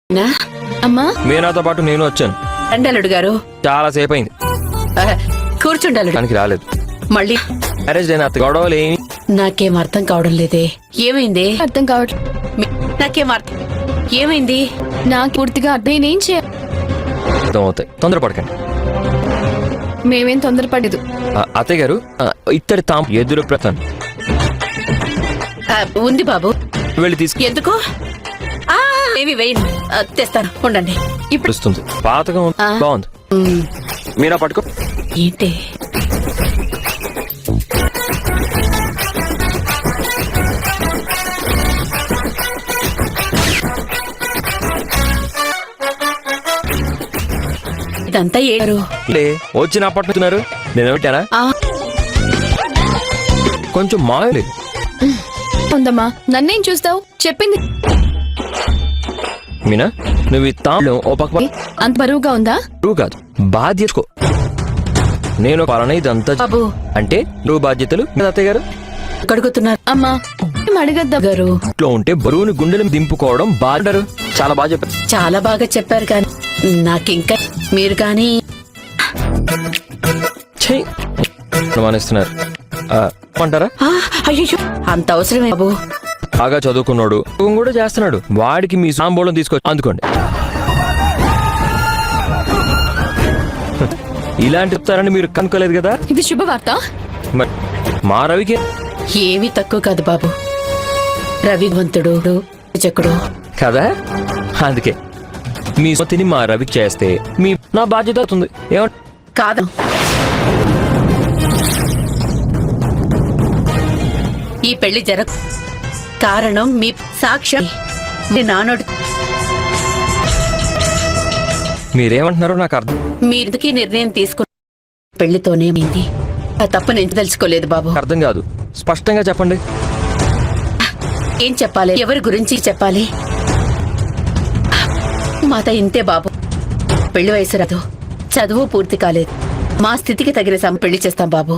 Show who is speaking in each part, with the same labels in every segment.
Speaker 1: అమ్మా
Speaker 2: మీనాతో పాటు నేను వచ్చాను.
Speaker 3: రండలుడు గారు
Speaker 2: చాలా సేపు అయింది.
Speaker 3: కూర్చుండలుడు.
Speaker 2: దానికి రాలేదు.
Speaker 3: మళ్ళీ
Speaker 2: మ్యారేజ్ అయిన గొడవలు ఏమి
Speaker 3: నాకేం అర్థం కావడం లేదే. ఏమైంది?
Speaker 1: అర్థం కావట్లేదు.
Speaker 3: నాకేం అర్థం ఏమైంది?
Speaker 1: నాకు పూర్తిగా నేనేం చేయాలి?
Speaker 2: అర్థం అవుతాయి. తొందరపడకండి.
Speaker 1: మేమేం తొందరపడలేదు.
Speaker 2: అత్తయ్య గారు ఇత్తడి తాము ఎదురు ప్రతాను
Speaker 3: ఉంది బాబు.
Speaker 2: వెళ్ళి తీసుకు.
Speaker 3: ఎందుకు? ఏమి వేయండి, తెస్తాను ఉండండి.
Speaker 1: ఇప్పుడు
Speaker 2: వస్తుంది. పాతగా బాగుంది. మీనా పట్టుకో.
Speaker 3: ఏంటి ఇదంతా ఏరు?
Speaker 2: వచ్చిన అప్పట్టున్నారు. నేను పెట్టానా? కొంచెం మాయలే
Speaker 1: ఉందమ్మా. నన్నేం చూస్తావు? చెప్పింది
Speaker 2: మీనా, నువ్వు ఈ తాళం ఓ పక్క
Speaker 1: అంత బరువుగా ఉందా?
Speaker 2: నువ్వు కాదు, బాధ్యతకో. నేను పాలన ఇదంతా
Speaker 3: బాబు
Speaker 2: అంటే నువ్వు బాధ్యతలు. అత్తయ్య గారు
Speaker 3: కడుగుతున్నారు.
Speaker 1: అమ్మా అడగద్దా
Speaker 3: గారు
Speaker 2: ఇంట్లో ఉంటే బరువుని గుండెలు దింపుకోవడం బాగుంటారు. చాలా బాగా చెప్పారు.
Speaker 3: చాలా బాగా చెప్పారు. కానీ నాకింకా మీరు కానీ
Speaker 2: అనుమానిస్తున్నారు అంటారా?
Speaker 3: అయ్యో అంత అవసరమే బాబు.
Speaker 2: బాగా చదువుకున్నాడు, కూడా చేస్తున్నాడు. వాడికి మీ సాంబోళం తీసుకొచ్చి అందుకోండి. ఇలాంటి చెప్తారని మీరు కనుక్కోలేదు కదా.
Speaker 1: ఇది శుభవార్త.
Speaker 2: మరి మా రవికి
Speaker 3: ఏమీ తక్కువ కాదు బాబు. రవివంతుడు చకుడు
Speaker 2: కదా. అందుకే మీ సొత్తిని మా రవికి చేస్తే నా బాధ్యత అవుతుంది.
Speaker 3: కాదు, ఈ పెళ్లి కారణం మీ సాక్ష్యం నానోడు.
Speaker 2: మీరేమంటున్నారో నాకు అర్థం.
Speaker 3: మీరుకి నిర్ణయం తీసుకున్న పెళ్లితోనే అయింది. ఆ తప్పు నేను తెలుసుకోలేదు బాబు.
Speaker 2: అర్థం కాదు. స్పష్టంగా చెప్పండి.
Speaker 3: ఏం చెప్పాలి? ఎవరి గురించి చెప్పాలి? మాత ఇంతే బాబు. పెళ్లి వయసు రాదు, చదువు పూర్తి కాలేదు. మా స్థితికి తగిన పెళ్లి చేస్తాం బాబు.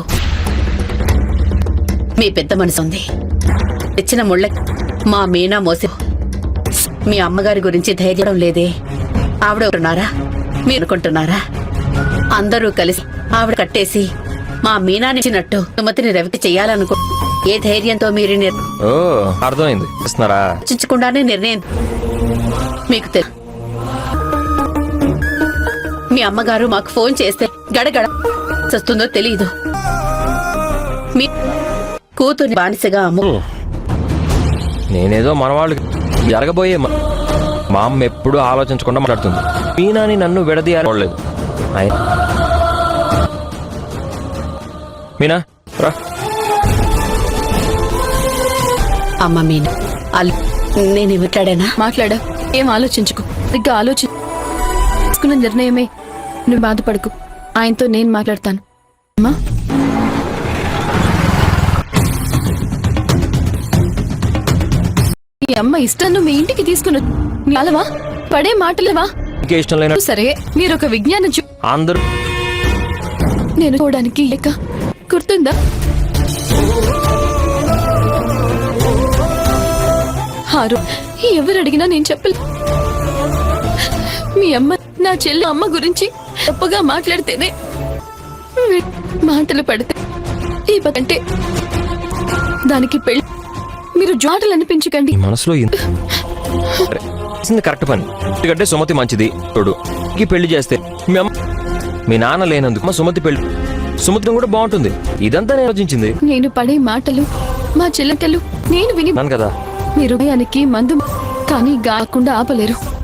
Speaker 3: మీ పెద్ద మనసు ఉంది. తెచ్చిన ముళ్ళ మా మీనా మోసి మీ అమ్మగారి గురించి ధైర్యం లేదే. ఆవిడ ఉన్నారా మీరు అనుకుంటున్నారా? అందరూ కలిసి ఆవిడ కట్టేసి మా మీనానిచ్చినట్టు సుమతిని రవికి చెయ్యాలనుకో. ఏ ధైర్యంతో మీరు
Speaker 2: అర్థమైంది.
Speaker 3: చర్చించకుండానే నిర్ణయం మీకు తెలుసు. మీ అమ్మగారు మాకు ఫోన్ చేస్తే గడగడ వస్తుందో తెలియదు. మీ కూతుర్ని బానిసగా అమ్ము.
Speaker 2: నేనేదో మనవాళ్ళు జరగబోయే మా అమ్మ ఎప్పుడూ ఆలోచించకుండా మాట్లాడుతుంది. మీనాని నన్ను విడదీయలేదు. మీనా రా.
Speaker 3: అమ్మ మీనా, నేను మాట్లాడానా?
Speaker 1: మాట్లాడా. ఏం ఆలోచించుకో. ఇంకా ఆలోచించుకున్న నిర్ణయమే. నువ్వు బాధపడకు. ఆయనతో నేను మాట్లాడతాను. అమ్మా మీ అమ్మ ఇష్టాన్ని మీ ఇంటికి తీసుకుని అలవా పడే మాటలేవా?
Speaker 2: ఇష్టం లేన
Speaker 1: సరే, మీరు ఒక విజ్ఞానం
Speaker 2: అందరూ
Speaker 1: నేను చూడడానికి లేక గుర్తుందా? ఎవరు అడిగినా నేను చెప్పలేదు. మీ అమ్మ నా చెల్లి అమ్మ గురించి తప్పుగా మాట్లాడితేనే మాటలు పడితే అంటే దానికి పెళ్లి మీరు జాటలు అనిపించకండి.
Speaker 2: మనసులో కరెక్ట్ పని. ఎందుకంటే సుమతి మంచిది. చూడు, ఈ పెళ్లి చేస్తే మీ నాన్న లేనందుకు సుమతి పెళ్లి సుమతిని కూడా బాగుంటుంది. ఇదంతా నేను ఆలోచించింది.
Speaker 1: నేను పడే మాటలు మా చెల్లెటలు నేను విని
Speaker 2: కదా.
Speaker 1: మీరు భయానికి మందు కానీ గాకుండా ఆపలేరు.